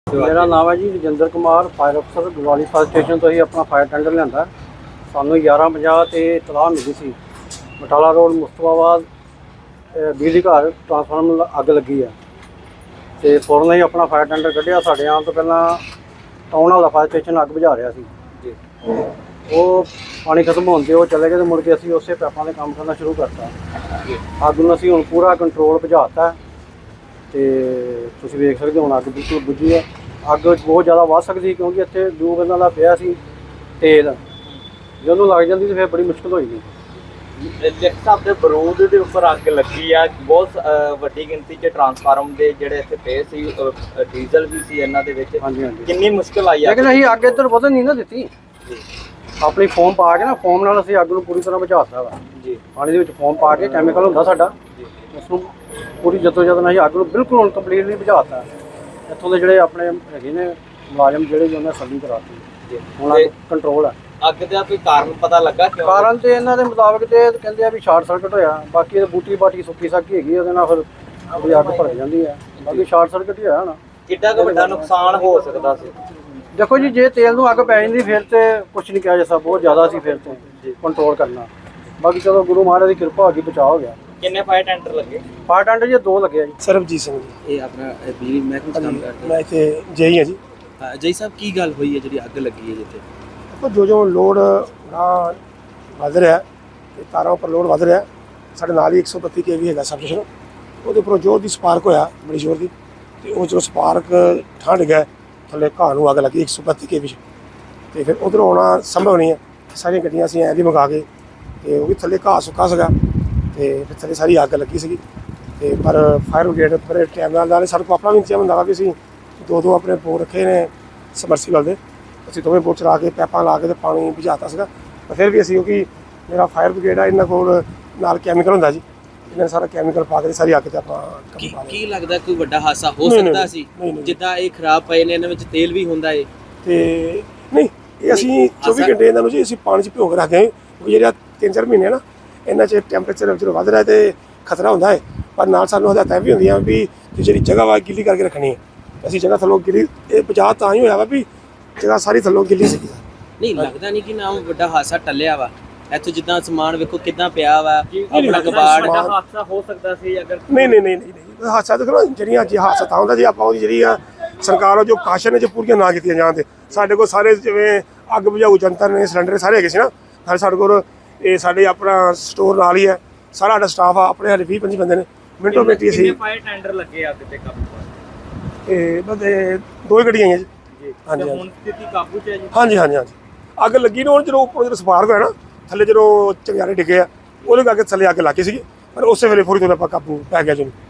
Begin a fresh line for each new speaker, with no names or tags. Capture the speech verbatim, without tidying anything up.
मेरा नाम है जी रजिंदर कुमार, फायर अफसर गवाली फायर स्टेशन तो ही अपना फायर टेंडर लिया। सानू ग्यारह पंजाह से इतलाह मिली सी बटाला रोड मुस्तफाबाद बिजली घर ट्रांसफार्मर अग लगी है तो फौरन ही अपना फायर टेंडर कढ़िया। साढ़े आने तो पहला टाउन वाला फायर स्टेशन अग बुझा रहा सी, वो पानी खत्म होने वो चले गए तो मुड़ के असी उस पैपों से काम करना शुरू करता। अग में असी हुण पूरा कंट्रोल बुझाता तो तुसीं वेख सकते हो हुण अग बिल्कुल बुझी है। अग बहुत ज़्यादा वध सकती क्योंकि इत्थे ट्यूब इन्हां दा पिया सी तेल, जे उहनूं लग जाती तो फिर बड़ी मुश्किल होई।
लिफ्ट साहब के बरूद के उपर अग लगी है, बहुत वड्डी गिनती च ट्रांसफार्म के जिहड़े इत्थे पे सी डीजल भी सी इन्हां दे विच।
हाँ जी हाँ जी,
कितनी मुश्किल आई है,
लेकिन असीं अग इधर वधन नहीं ना दित्ती। अपनी फोम पा के ना फोम नाल असीं अग नूं पूरी तरह बुझाता वा जी। पानी दे विच फोम पा के कैमिकल हुंदा साडा, उसनूं पूरी जदोजहद नाल असीं अग नूं बिल्कुल हुण कंप्लीटली बुझाता। इत्थों दे जिहड़े अपने हैगे ने मुलाजम जिहड़े उन्होंने सली कराती, हुण अग कंट्रोल है।
अग का कोई कारण पता लगा क्यों?
कारण तो इन्हों के मुताबिक तो कहते हैं भी शार्ट सर्किट होया, बाकी बूटी बाटी सुक्की सक्की हैगी उहदे नाल फिर थोड़ी अग भर जाती है, बाकी शार्ट सर्किट ही होया होना।
किड्डा क वड्डा नुकसान हो सकता सी?
देखो जी, जे तेल नूं अग पै जांदी फिर तो कुछ नहीं कहा जा सकता, बहुत ज़्यादा सी फिर तो कंट्रोल करना। बाकी चलो गुरु महाराज की कृपा होगी, बचाव हो गया।
किन्ने फायर टेंडर लगे?
फायर टेंडर जी दो लगे जी।
सरबजीत सिंह जी,
ਇਹ ਆਪਣਾ ਬਿਜਲੀ ਮਹਿਕਮੇ 'ਚ ਕੰਮ ਕਰਦੇ
मैं इतने जेई हाँ जी।
ਹਾਂ ਜੈ ਸਾਹਿਬ ਕੀ ਗੱਲ ਹੋਈ ਹੈ ਜਿਹੜੀ ਅੱਗ ਲੱਗੀ ਹੈ ਜਿੱਥੇ?
देखो जो जो लोड ना वध रहा है, तारों पर लोड वध रहा है, साढ़े नाल ही एक सौ बत्ती के भी है सब स्टेशन, वो उपरों जोर की स्पार्क होया बड़ी जोर की, तो वो जो स्पार्क ठंड गया थले घाह नूं अग लगी एक सौ बत्ती के भी, तो फिर उधरों आना संभव नहीं है। सारिया गड्डियां असीं ऐ दी मंगा के तो वो भी थले घाह सुक्का सगा, तो फिर थले सारी अग लगी सी। तो पर फायर ब्रिगेड बड़े टाइम नाल सारे को अपना भी इंतजाम होंदा वा कि असीं दो दो अपने बोर रखे ने सबमर्सीबल दे, ਅਸੀਂ ਦੋਵੇਂ ਬੋਟ ਚਲਾ ਕੇ ਪੈਪਾਂ ਲਾ ਕੇ ਤੇ ਪਾਣੀ ਬੁਝਾਤਾ ਸੀਗਾ। ਪਰ ਫਿਰ ਵੀ ਅਸੀਂ ਕਿਉਂਕਿ ਮੇਰਾ ਫਾਇਰ ਬ੍ਰਿਗੇਡ ਆ, ਇਹਨਾਂ ਕੋਲ ਨਾਲ ਕੈਮੀਕਲ ਹੁੰਦਾ ਜੀ, ਇਹਨਾਂ ਨੇ ਸਾਰਾ ਕੈਮੀਕਲ ਪਾ ਕੇ ਸਾਰੀ ਅੱਗ ਤੇ ਆਪਾਂ
ਕੀ ਕੀ ਲੱਗਦਾ ਕੋਈ ਵੱਡਾ ਹਾਦਸਾ ਹੋ ਸਕਦਾ ਸੀ? ਜਿੱਦਾਂ ਇਹ ਖਰਾਬ ਪਏ ਨੇ, ਇਹਨਾਂ ਵਿੱਚ ਤੇਲ ਵੀ ਹੁੰਦਾ ਏ
ਤੇ ਨਹੀਂ, ਇਹ ਅਸੀਂ ਚੌਵੀ ਘੰਟੇ ਇਹਨਾਂ ਨੂੰ ਜੀ ਅਸੀਂ ਪਾਣੀ 'ਚ ਭਿਓ ਕੇ ਰੱਖਦੇ ਹਾਂ, ਕਿਉਂਕਿ ਜਿਹੜਾ ਤਿੰਨ ਚਾਰ ਮਹੀਨੇ ਨਾ ਇਹਨਾਂ 'ਚ ਟੈਂਪਰੇਚਰ ਜਦੋਂ ਵੱਧ ਰਿਹਾ ਤੇ ਖਤਰਾ ਹੁੰਦਾ ਹੈ। ਪਰ ਨਾਲ ਸਾਨੂੰ ਹਦਾਇਤਾਂ ਵੀ ਹੁੰਦੀਆਂ ਵੀ ਜਿਹੜੀ ਜਗ੍ਹਾ ਵਾ ਗਿੱਲੀ ਕਰਕੇ ਰੱਖਣੀ ਹੈ। ਅਸੀਂ ਜਗ੍ਹਾ ਥੱਲੋਂ ਗਿੱਲੀ ਇਹ ਬਚਾਅ ਤਾਂ ਹੀ ਹੋਇਆ ਵਾ ਵੀ ਜਗ੍ਹਾ ਸਾਰੀ ਥੱਲੋਂ ਗਿੱਲੀ ਸੀ।
ਨਹੀਂ ਲੱਗਦਾ ਨਹੀਂ ਕਿ ਨਾ ਵੱਡਾ ਹਾਦਸਾ ਟੱਲਿਆ ਵਾ ਇੱਥੋਂ? ਜਿੱਦਾਂ ਸਮਾਨ ਵੇਖੋ ਕਿੱਦਾਂ ਪਿਆ ਵਾ, ਆਪਣਾ ਕਬਾੜ।
ਵੱਡਾ ਹਾਦਸਾ ਹੋ ਸਕਦਾ ਸੀ ਅਗਰ
ਨਹੀਂ ਨਹੀਂ ਨਹੀਂ ਨਹੀਂ ਹਾਦਸਾ ਦੇਖੋ ਨਾ, ਜਿਹੜੀਆਂ ਜੇ ਹਾਦਸਾ ਤਾਂ ਹੁੰਦਾ ਜੇ ਆਪਾਂ ਉਹਦੀ ਜਿਹੜੀ ਆ ਸਰਕਾਰ ਉਹ ਜੋ ਕਾਸ਼ਨ ਹੈ ਜੇ ਪੂਰੀਆਂ ਨਾ ਕੀਤੀਆਂ ਜਾਣ ਤੇ। ਸਾਡੇ ਕੋਲ ਸਾਰੇ ਜਿਵੇਂ ਅੱਗ ਬੁਝਾਊ ਜੰਤਰ ਨੇ, ਸਿਲੰਡਰ ਸਾਰੇ ਹੈਗੇ ਸੀ ਨਾ ਸਾਰੇ ਸਾਡੇ ਕੋਲ। ਇਹ ਸਾਡੇ ਆਪਣਾ ਸਟੋਰ ਨਾਲ ਹੀ ਹੈ, ਸਾਰਾ ਸਾਡਾ ਸਟਾਫ ਆ, ਆਪਣੇ ਹਾਲੇ ਵੀਹ ਪੰਜੀ ਬੰਦੇ ਨੇ। ਮਿੰਟੋ ਮਿੰਟੀ ਅਸੀਂ
ਫਾਇਰ ਟੈਂਡਰ ਲੱਗੇ ਅੱਗ ਤੇ ਕਾਬੂ ਪਾਉਣ?
ਇਹ ਬਸ ਦੋ ਹੀ ਗੱਡੀਆਂ ਆਈਆਂ ਜੀ।
ਹਾਂਜੀ, ਹੁਣ ਸਥਿਤੀ ਕਾਬੂ 'ਚ ਹੈ ਜੀ?
ਹਾਂਜੀ ਹਾਂਜੀ ਹਾਂਜੀ, ਅੱਗ ਲੱਗੀ ਨਾ ਹੁਣ ਜਦੋਂ ਉੱਪਰ ਜਦੋਂ ਸਪਾਰਕ ਹੋਇਆ ਨਾ ਥੱਲੇ ਜਦੋਂ ਚੰਗਿਆਰੇ ਡਿੱਗੇ ਆ ਉਹਦੇ ਕਰਕੇ ਥੱਲੇ ਅੱਗ ਲੱਗੀ ਸੀਗੀ, ਪਰ ਉਸੇ ਵੇਲੇ ਫੌਰੀ ਤੌਰ 'ਤੇ ਆਪਾਂ ਕਾਬੂ ਪੈ ਗਿਆ ਜੀ।